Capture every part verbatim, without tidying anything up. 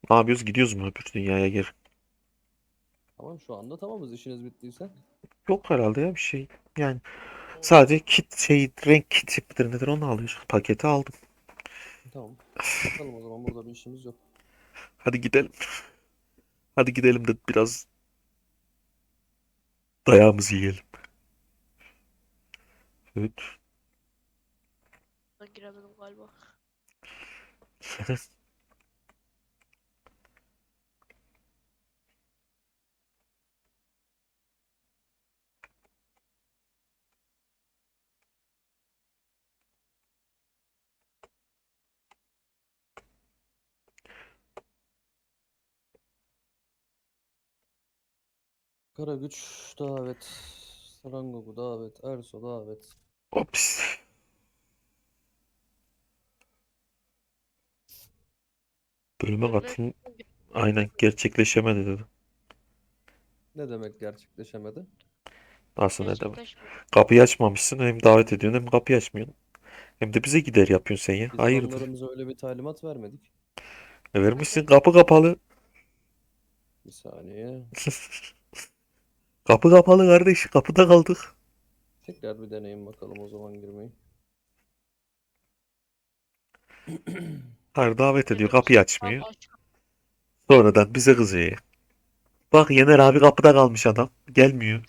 Ne yapıyoruz? Gidiyoruz mu öbür dünyaya geri? Tamam şu anda tamamız işiniz bittiyse. Yok herhalde ya bir şey. Yani O sadece kit şey renk kit midir nedir onu alıyoruz. Paketi aldım. Tamam. Yatalım o zaman burada bir işimiz yok. Hadi gidelim. Hadi gidelim de biraz dayağımızı yiyelim. Evet. ben giremedim galiba. Karagüç davet. Rangoku davet. Erso davet. Ops. Bölüme Bölüme katılım aynen gerçekleşemedi dedi. Ne demek gerçekleşemedi? Nasıl ne demek? gerçekleşmedi. Kapıyı açmamışsın hem davet ediyorsun hem kapıyı açmıyorsun. Hem de bize gider yapıyorsun sen ya. Biz Hayırdır? fanlarımıza öyle bir talimat vermedik. E vermişsin kapı kapalı. Bir saniye. Kapı kapalı kardeş. Kapıda kaldık. Tekrar bir deneyim bakalım o zaman girmeyi. Hayır davet ediyor. Geliyor Kapıyı musun? Tamam açmıyor. aç. Sonradan bize kızıyor. Bak Yener abi kapıda kalmış adam. Gelmiyor.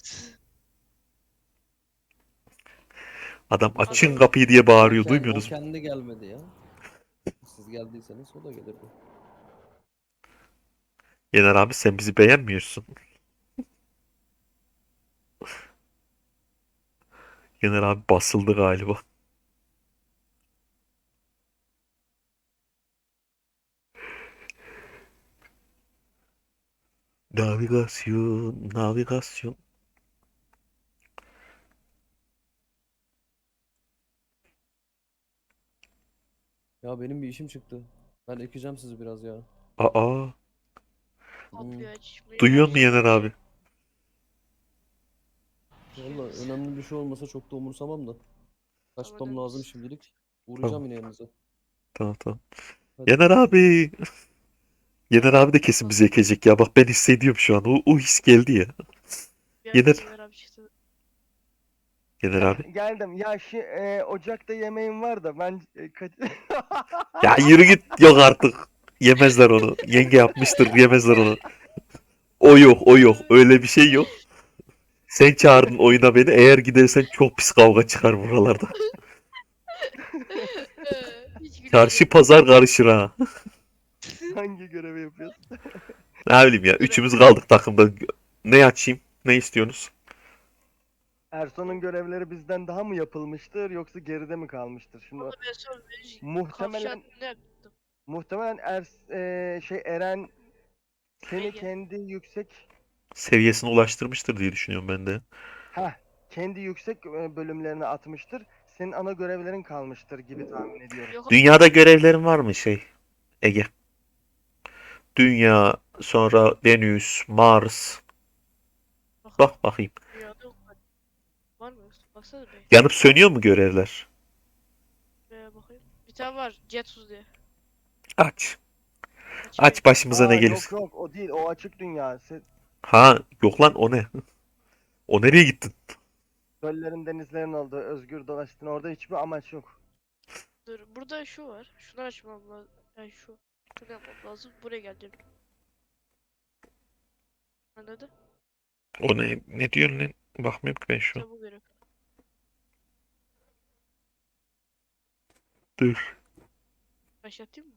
Adam Bu sefer açın Adam kapıyı diye o, bağırıyor. ken, o Duymuyorsunuz mu? kendi gelmedi ya. Siz geldiyseniz o da gelirdi. Yener abi sen bizi beğenmiyorsun. Yener abi basıldı galiba. Navigasyon, navigasyon. Ya benim bir işim çıktı. Ben ekeceğim sizi biraz ya. Aa, Hmm. kapıyı açmıyor. duyuyor musun Açmıyor. Yener abi? Valla Açıyoruz. önemli bir şey olmasa çok da umursamam da. Ama Kaçmam lazım dönmüş. şimdilik. Tamam, Uğrayacağım yine yanınıza. tamam, tamam. Hadi Yener görüşürüz. abi. Yener abi de kesin bizi ekecek ya. Bak ben hissediyorum şu an. O, o his geldi ya. Bir anda Yener, Yener abi çıktı. Yener abi. Heh, geldim. Ya şu e, ocakta yemeğim var da ben e, kaç... Ya yürü git. Yok artık. Yemezler onu. Yenge yapmıştır. Yemezler onu. O yok, o yok. Öyle bir şey yok. Sen çağırdın oyuna beni. Eğer gidersen çok pis kavga çıkar buralarda. Hiç Çarşı gülmeyeceğim. pazar karışır ha. Hangi görevi yapıyorsun? Ne bileyim ya. Göre Üçümüz kaldık takımda. Ne açayım? Ne istiyorsunuz? Erso'nun görevleri bizden daha mı yapılmıştır yoksa geride mi kalmıştır? Şimdi Onu ben sonra kavşak muhtemelen ne yaptım? muhtemelen Er e, şey Eren seni Ege. kendi yüksek Seviyesine ulaştırmıştır diye düşünüyorum ben de. ha kendi yüksek e, bölümlerine atmıştır. Senin ana görevlerin kalmıştır gibi tahmin ediyorum. Yok Dünyada görevlerin var mı şey Ege? Dünya, sonra Venüs, Mars. bakalım. Bak bakayım. Dünyada yok. Var mı? Baksana be. Yanıp sönüyor mu görevler? Be bakayım. Bir tane var. Jetsus diye. Aç. Açayım. Aç başımıza ne Aa gelir. yok yok o değil, o açık dünya. Se- Ha yok lan o ne? O nereye gittin? Göllerin denizlerin olduğu özgür dolaştın, orada hiçbir amaç yok. Dur. Burada şu var. Şunu açmam lazım. Yani şu. Şunu yapmam lazım. Buraya geldim. Anladın? O ne? Ne diyorsun lan? Bakmıyorum ki ben şu an. İşte bu görev. Dur. Başlatayım mı?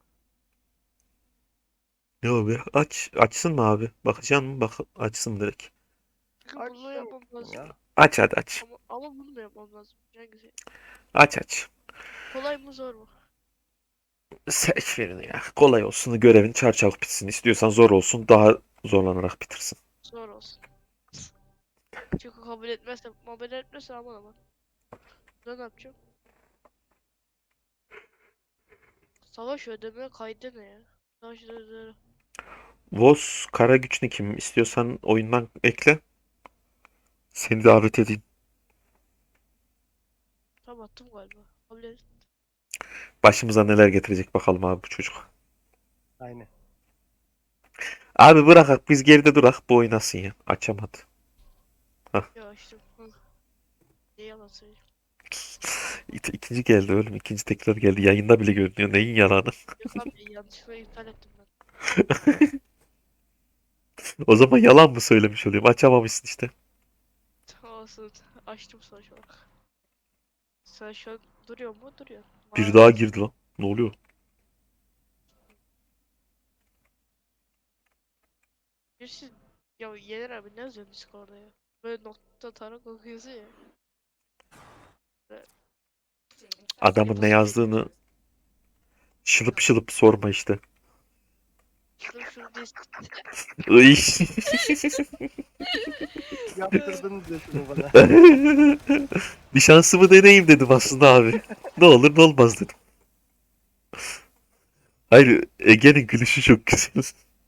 Ne o be? Aç. Açsın mı abi? Bakacaksın mı? Bak açsın direkt. Çünkü bunu Açsın yapmam lazım. ya. Aç hadi aç. Ama, ama bunu da yapmam lazım. Hangisi? Aç aç. Kolay mı zor mu? Seç birini ya. Kolay olsun. Görevin çarçabuk bitsin. İstiyorsan zor olsun. Daha zorlanarak bitirsin. Zor olsun. Çünkü kabul etmezse, kabul etmezse aman aman. Ben ne yapacağım? Savaş ödeme kaydı ne ya? Savaş ödeme. Voz kara güç ne kim? İstiyorsan oyundan ekle. Seni davet edeyim. Tam attım galiba. Kabul et. Başımıza neler getirecek bakalım abi bu çocuk. Aynen. Abi bırakak biz geride durak bu oynasın ya. Açamadı. Ya açtım. Hı. Ne yalan söyleyeyim. İki- İkinci geldi oğlum. İkinci tekrar geldi. Yayında bile görünüyor. Neyin yalanı? Yok abi yanlışlıkla iptal ettim ben. O zaman yalan mı söylemiş oluyorum? Açamamışsın işte. Olsun. Açtım sonuç olarak. Sen şu an duruyor mu? Duruyor. Bir Mavi daha beyaz. girdi lan. Ne oluyor? Birisi ya Yener abi ne yazıyorsun Discord'da ya? Böyle nokta tarak okuyorsun ya. Böyle Adamın ne nasıl bir yazdığını şılıp şılıp sorma işte. şunu şunu diye Iy. Yaptırdınız ya şunu bana. Bir şansımı deneyeyim dedim aslında abi. Ne olur ne olmaz dedim. Hayır, Ege'nin gülüşü çok güzel.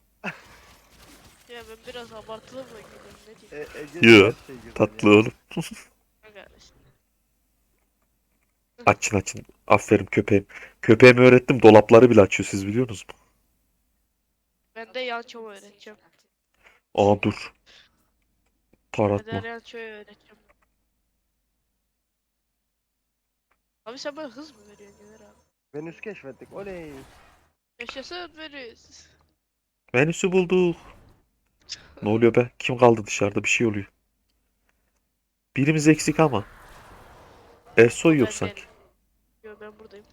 ya ben biraz abartılı mı geliyorum ne E, diyeyim? Ege'nin Yo, her şey güzel tatlı ya. oğlum. Ne kardeşim. Açın açın. Aferin köpeğim. Köpeğimi öğrettim. Dolapları bile açıyor siz biliyorsunuz mu? Ben de yançomu öğreteceğim. Aa dur. Kader Taratma. yançoyu öğreteceğim. Abi sen bana hız mı veriyorsun Yener abi? Venüs keşfettik. Oley. Yaşasın Venüs. Venüs'ü bulduk. Ne oluyor be? Kim kaldı dışarıda? Bir şey oluyor. Birimiz eksik ama. Ersoy O yok ben sanki. değilim. Yo ben buradayım.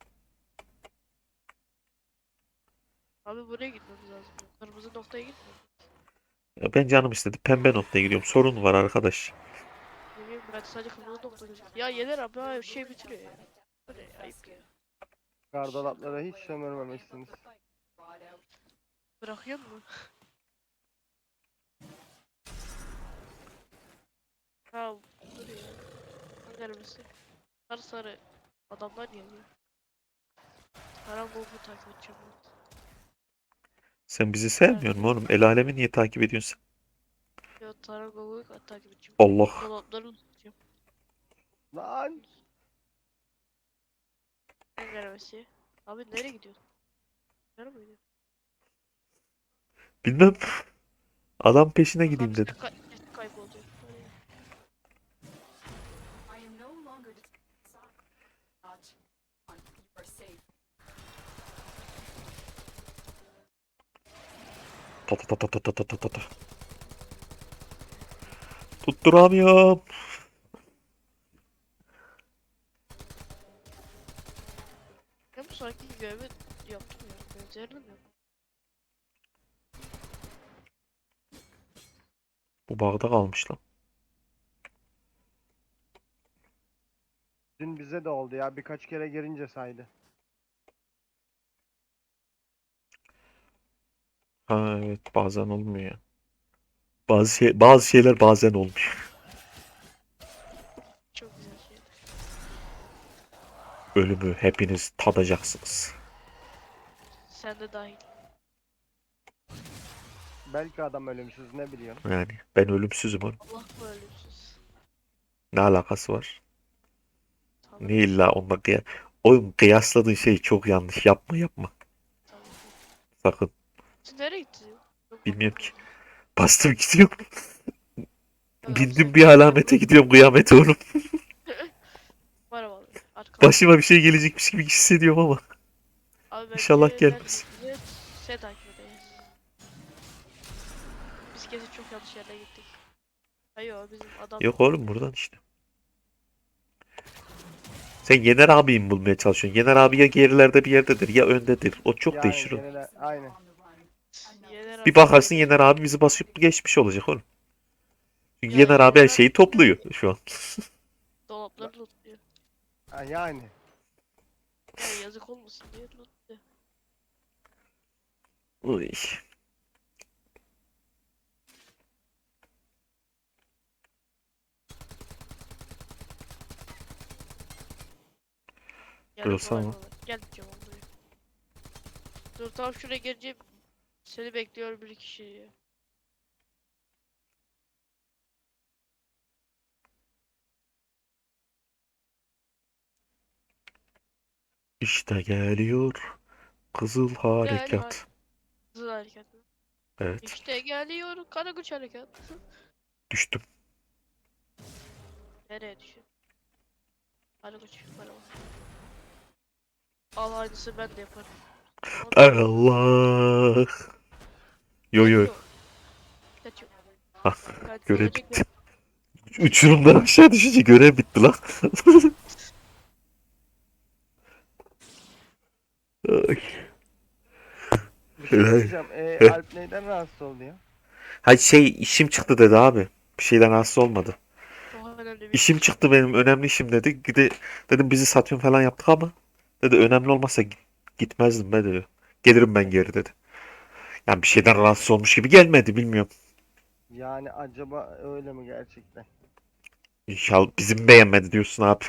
Abi buraya gitmemiz lazım. Kırmızı noktaya gitme. Ya ben canım istedi. Pembe noktaya gidiyorum. Sorun var arkadaş. Ne bileyim ben sadece kırmızı nokta gözüküyor. Ya Yener abi ha şey bitiriyor ya. Bu ne ya, ayıp ya. Gardolaplara hiç sömürmemişsiniz. Bırakıyor mu? Ha dur ya. Hangi arabası? Sarı sarı adamlar geliyor. Karangogu takip edeceğim ben. Sen bizi sevmiyorsun mu oğlum? El alemi niye takip ediyorsun Ya Karangogu'yu takip edeceğim. sen? Allah. Dolapları tutacağım. Lan. Hangi arabası? Abi nereye gidiyorsun? Nereye mi gidiyorsun? Bilmem. Adam peşine Bak abi gideyim sen dedim. kay kesin kaybolacak. Nereye? Ta ta ta ta ta ta ta ta ta ta. Tutturamıyorum. Ben bu sanki görevi yaptım ya. Benzerini mi yaptım? Bu bağda kalmış lan. Dün bize de oldu ya. Birkaç kere girince saydı. Ha evet bazen olmuyor ya. Bazı şey bazı şeyler bazen olmuyor. Çok güzel şey. Ölümü hepiniz tadacaksınız. Sen de dahil. Belki adam ölümsüz ne biliyorsun. Yani ben ölümsüzüm oğlum. Allah mı ölümsüz? Ne alakası var? Tabii Ne illa onunla kıya... Oğlum kıyasladığın şey çok yanlış. Yapma yapma. tabii. Sakın. Siz nereye gittiniz? Yok Bilmiyorum bakmadım. ki. Bastım gidiyorum. Bak abi Bindim sen bir alamete gidiyorum kıyamete oğlum. var ama arkamda. Başıma bir şey gelecekmiş gibi hissediyorum ama. Abi İnşallah bence gelmez. ben size şey takip edeyim. Biz kesin çok yanlış yerine gittik. Hayır bizim adam Yok oğlum buradan işte. Sen Yener abiyi mi bulmaya çalışıyorsun? Yener abi ya gerilerde bir yerdedir ya öndedir. O çok Yani değişir o. genel aynen. Yener Bir abi bakarsın şey Yener abi bizi basıp geçmiş olacak oğlum. Çünkü ya Yener abi her Yener abi şeyi topluyor şu an. dolapları lootluyor. Ha, yani. Ya yazık olmasın diye lootluyor. Uy. Geldim Burası kolay ama. kolay. Gel diyeceğim onu buraya. Dur tam şuraya geleceğim. Seni bekliyor bir kişi. İşte geliyor Kızıl Gel hadi. Harekat. Hızlı hareket mi? Evet. İşte geliyor Karakuş harekat. Düştüm. Nereye düşüyor? Karakuş yukarı bak. Al aynısı ben de yaparım. Allah. Yo yo. Kaçıyor. Kaçıyor. Ah, Kaç görev ölecek bitti. Uçurumdan aşağı düşünce görev bitti lan. Ay. Bir şey Helal. diyeceğim. E, Heh. Alp neyden rahatsız oldu ya? Hay şey işim çıktı dedi abi. Bir şeyden rahatsız olmadı. Çok önemli bir İşim iş. çıktı benim önemli işim dedi. Gide, dedim bizi satıyorsun falan yaptık ama dedi önemli olmasa git- gitmezdim be dedi. Gelirim ben geri dedi. Yani bir şeyden rahatsız olmuş gibi gelmedi bilmiyorum. Yani acaba öyle mi gerçekten? İnşallah bizim beğenmedi diyorsun abi.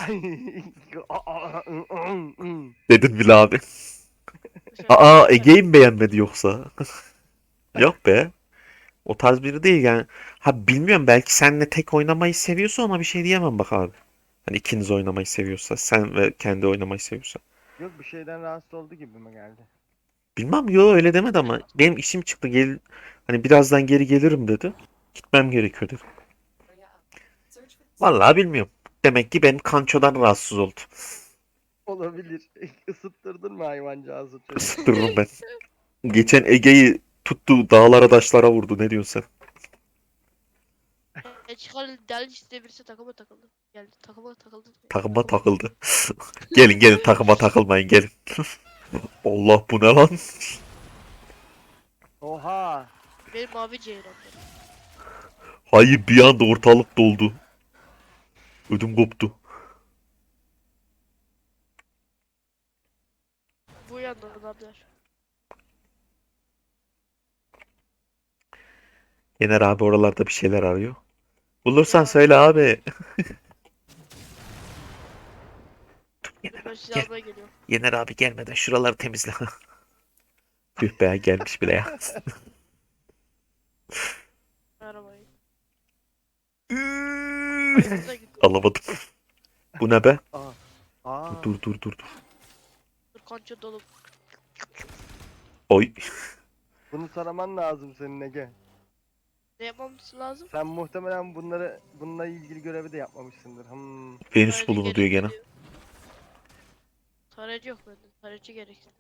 Dedin bile abi. Mesela Aa Kaçar. Ege'yi mi beğenmedi yoksa? Yok be. O tarz biri değil yani. Ha bilmiyorum belki senle tek oynamayı seviyorsa ona bir şey diyemem bak abi. Hani ikiniz oynamayı seviyorsa sen ve kendi oynamayı seviyorsa. Yok bir şeyden rahatsız oldu gibi mi geldi? Bilmem yo öyle demedi ama benim işim çıktı gel hani birazdan geri gelirim dedi. Gitmem gerekiyor dedi. Vallahi bilmiyorum. Demek ki benim kançodan rahatsız oldu. Olabilir. Isıttırdın mı hayvancağızı çocuğu? Isıtırırım ben. Geçen Ege'yi tuttu dağlara taşlara vurdu ne diyorsun sen? E çıkar deli işte birisi takıma takıldı. Geldi takıma takıldı. Takıma takıldı. Gelin gelin takıma takılmayın gelin. Allah bu ne lan? Oha! Benim mavi ceylan benim. Hayır bir anda ortalık doldu. Ödüm koptu. Bu yanda adamlar. Yener abi oralarda bir şeyler arıyor. Bulursan Ya söyle abi. Yener ben abi sizi gel. almaya geliyorum. Yener abi gelmeden şuraları temizle. Tüh be gelmiş bile ya. Arabayı. Hayvanına gidiyor. Alamadım. Bu ne be? Aa! Aa! Dur dur dur dur. Dur kanca dolu. Oy. Bunu taraman lazım senin Ege. Ne yapmamız lazım? Sen muhtemelen bunları bununla ilgili görevi de yapmamışsındır. Hmm. Venüs Tarayıcı bulunu diyor gene. gerekli. Tarayıcı yok bende. Tarayıcı gerekli.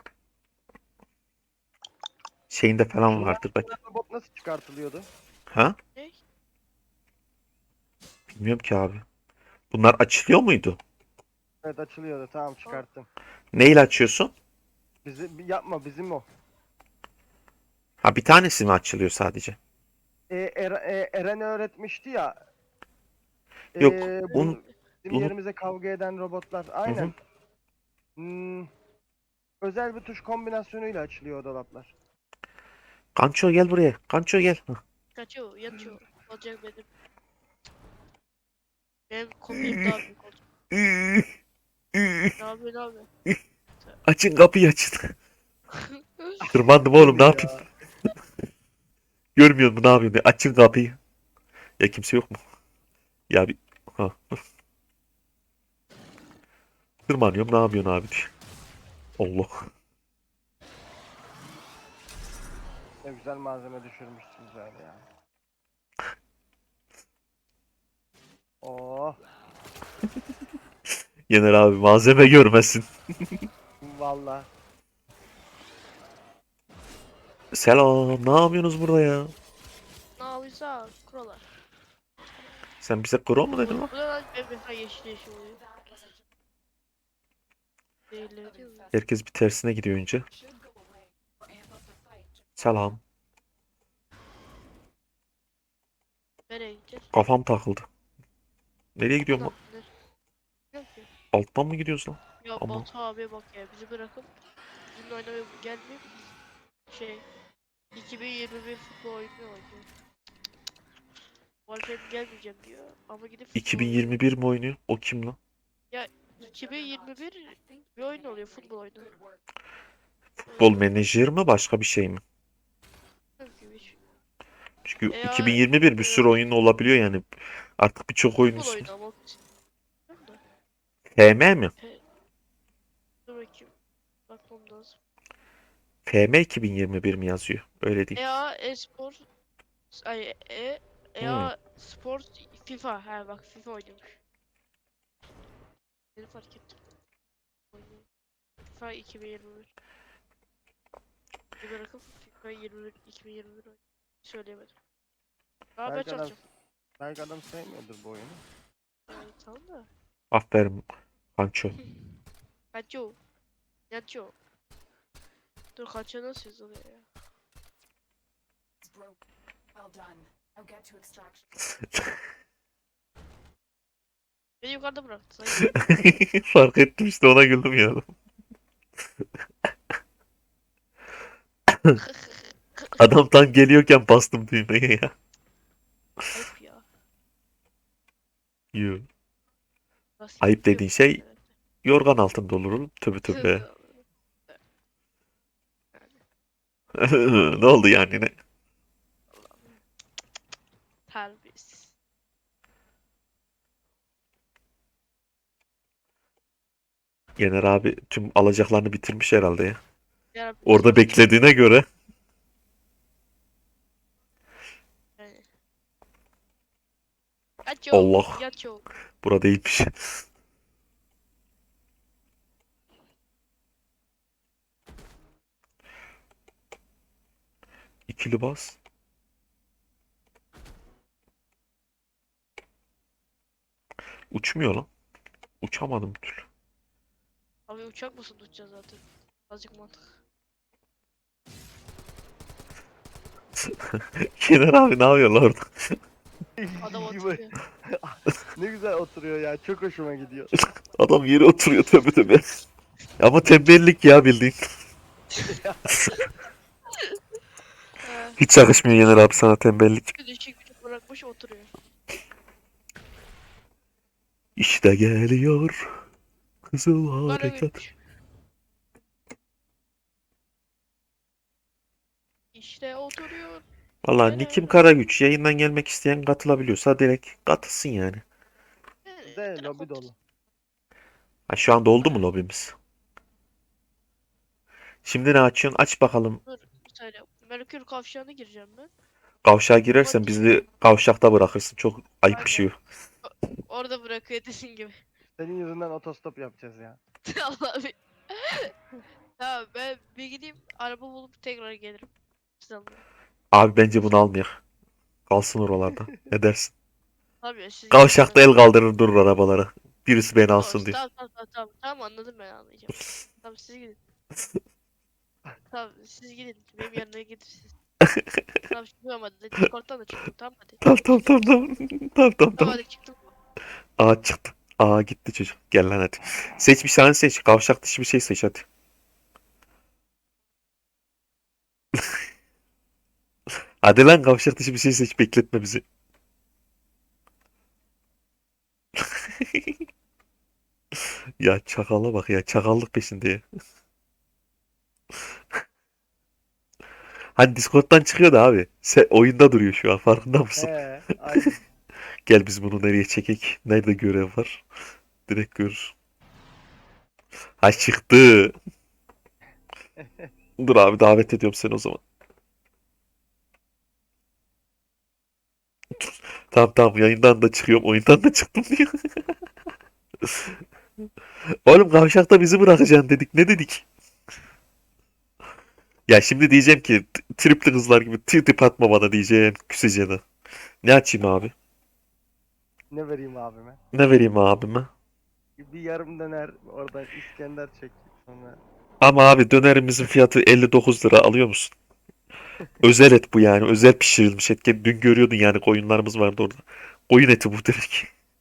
Şeyinde falan Şunlar vardır belki. robot nasıl çıkartılıyordu? Ha? Ne? Bilmiyorum ki abi. Bunlar açılıyor muydu? Evet açılıyordu. Tamam çıkarttım. Neyle açıyorsun? Bizi yapma bizim o. Ha bir tanesi mi açılıyor sadece? E, Er- e, Eren öğretmişti ya. E, Yok. bu Un, bizim unu... yerimize kavga eden robotlar. Hı Aynen. hı. Hmm, özel bir tuş kombinasyonuyla açılıyor o dolaplar. Kanço gel buraya. Kanço gel. Hah. Kaçıyor, yatıyor. Olacak benim. Benim kopyam daha büyük olacak. Ne yapıyor, ne yapıyor? Açın kapıyı açın. Tırmandım oğlum ne yapayım? Ya. Görmüyor musun ne yapayım? Açın kapıyı. Ya kimse yok mu? Ya bir... Ha. Tırmanıyorum ne yapıyorsun abi diye. Allah. Ne güzel malzeme düşürmüşsünüz öyle ya. Oh Yener abi malzeme görmesin. valla. Selam. Ne yapıyorsunuz burada ya? Ne yapıyorsa kurallar. Sen bize kro mu Bu, dedin lan? bu da lan bembeyaz yeşil yeşil oluyor. Değilleri değil mi? Herkes bir tersine gidiyor önce. Selam. Nereye gideceğiz? Kafam takıldı. Nereye gidiyorum lan? Ulan, ne? Yok ki. Alttan mı gidiyoruz lan? Ya Ama Batu abi bak ya bizi bırakıp bizimle oynamaya gelmeyip şey iki bin yirmi bir futbol oyunu oynuyor. Warframe gelmeyeceğim diyor ama gidip futbol oynuyor. iki bin yirmi bir mi oynuyor? O kim lan? iki bin yirmi bir bir oyun oluyor futbol oyunu. Futbol menajer mi başka bir şey mi? Yok gibi hiç. Çünkü E ya, iki bin yirmi bir bir sürü e, oyun olabiliyor yani. Artık birçok oyun futbol ismi. oyunu ama. Bilmiyorum da. F M mi? Dur bakayım. Bakmam lazım. F M iki bin yirmi bir mi yazıyor? Öyle değil. E A Espor ay E Hmm. EA Sport FIFA. Ha bak FIFA oynuyormuş. Beni fark ettim. Oynuyor. FIFA iki bin yirmi bir. Bir bırakıp FIFA yirmi bir iki bin yirmi bir oynuyor. Söyleyemedim. Daha ben Belki adam, çalışacağım. belki adam sevmiyordur bu oyunu. Yani tamam da. Aferin Panço. Kaçıyor. Yatıyor. Dur kaçıyor nasıl yazılıyor ya? It's broke. Well done. Now get to extraction. Beni yukarıda bıraktı. Sayın. Fark ettim işte ona güldüm ya. Adam tam geliyorken bastım düğmeye ya. Ayıp ya. Yuh. Nasıl Ayıp yapıyor dediğin bu şey kadar? yorgan altında olur oğlum. Tövbe tövbe. Ne oldu yani ne? Terbiyesiz. Yener abi tüm alacaklarını bitirmiş herhalde ya. Yarabbim, Orada sus. beklediğine göre Yani. Yatıyor. Allah. Yatıyor. burada değilmiş. İkili bas. Uçmuyor lan. Uçamadım bir türlü. Abi uçak mısın tutacağız zaten. Azıcık mantık. Yener abi ne yapıyor lan orada? Adam Gibi. oturuyor. Ne güzel oturuyor ya. Çok hoşuma gidiyor. Adam yere oturuyor tövbe tövbe. Ama tembellik ya bildiğin. He. Hiç yakışmıyor Yener abi sana tembellik. Bir düşük gücü bırakmış oturuyor. İşte geliyor. Kızıl Bana harekat. gülmüş. İşte oturuyor. Valla Hele Nikim hele. Karagüç yayından gelmek isteyen katılabiliyorsa direkt katılsın yani. Hele, De hele lobi otur- dolu. Ha, şu anda oldu mu lobimiz? Şimdi ne açıyorsun? Aç bakalım. Dur bir saniye. Merkür kavşağına gireceğim ben. Kavşağa girersen bizi kavşakta bırakırsın. Çok ayıp bir şey. Orada bırakıyor dediğin gibi. Senin yüzünden otostop yapacağız ya. Allah bir. Tamam ben bir gideyim araba bulup tekrar gelirim. Siz alın. Abi bence bunu almayak. Kalsın oralarda. Ne dersin? Tabii siz Kavşakta gidin, el kaldırır durur arabalara. Birisi beni ben- alsın diye. Tamam tamam tamam tamam tamam anladım ben anlayacağım. Tamam siz gidin. Tamam siz gidin benim yanına gidirsiniz. Tamam çıkıyorum hadi Discord'dan da çıktım tamam hadi. Tamam tamam tamam tamam. Tamam tamam Tamam tamam. hadi çıktım. Aa çıktı. Aa gitti çocuk. Gel lan hadi. Seç bir tane seç. Kavşak dışı bir şey seç hadi. Hadi lan kavşak dışı bir şey seç. Bekletme bizi. Ya çakala bak ya. Çakallık peşinde ya. Hani Discord'dan çıkıyor da abi. Sen oyunda duruyor şu an. Farkında mısın? He, aynen. Gel biz bunu nereye çekek? Nerede görev var? Direkt görür. Ha çıktı. Dur abi davet ediyorum seni o zaman. Tamam tamam yayından da çıkıyorum. Oyundan da çıktım diyor. Oğlum kavşakta bizi bırakacaksın dedik. Ne dedik? Ya şimdi diyeceğim ki t- tripli kızlar gibi tip tip atma bana diyeceğim. Küseceğine. Ne açayım abi? Ne vereyim abime? Ne vereyim abime? Bir yarım döner oradan İskender çek sonra. Ama abi dönerimizin fiyatı elli dokuz lira alıyor musun? Özel et bu yani. Özel pişirilmiş et. Dün görüyordun yani koyunlarımız vardı orada. Koyun eti bu direkt.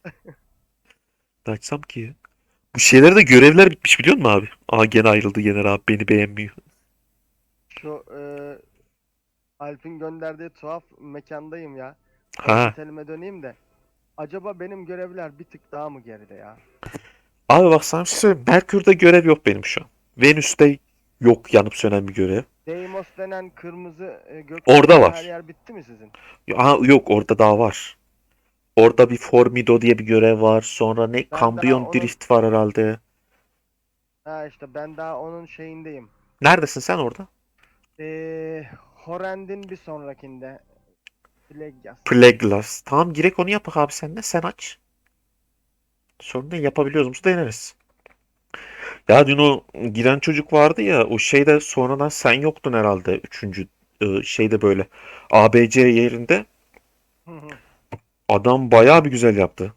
Ne açsam ki ya? Bu şeylerde de görevler bitmiş biliyor musun abi? Aa gene ayrıldı Yener abi beni beğenmiyor. Şu e, Alp'in gönderdiği tuhaf mekandayım ya. Ha. Otelime döneyim de. Acaba benim görevler bir tık daha mı geride ya? Abi bak sana bir şey söyleyeyim. Merkür'de görev yok benim şu an. Venüs'te yok yanıp sönen bir görev. Deimos denen kırmızı e, gök Orada var. her yer bitti mi sizin? Aa, yok orada daha var. Orada bir Formido diye bir görev var. Sonra ne? daha Kambriyon onun- Drift var herhalde. Ha işte ben daha onun şeyindeyim. Neredesin sen orada? Ee, Horrend'in bir sonrakinde. Plague yaz. Plaguelas. Tamam girek onu yapak abi sen de. Sen aç. Sorun değil yapabiliyoruz mu deneriz. Ya dün o giren çocuk vardı ya o şeyde sonradan sen yoktun herhalde. Üçüncü e, şeyde böyle A B C yerinde. Hı hı. Adam bayağı bir güzel yaptı.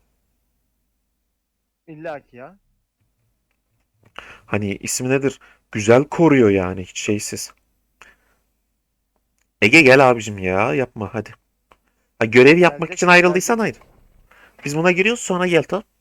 İlla ki ya. Hani ismi nedir? Güzel koruyor yani hiç şeysiz. Ege gel abicim ya yapma hadi. Ha, görev yapmak Gelecek için mi? ayrıldıysan Gelecek ayrıl. Biz buna giriyoruz sonra gel tamam.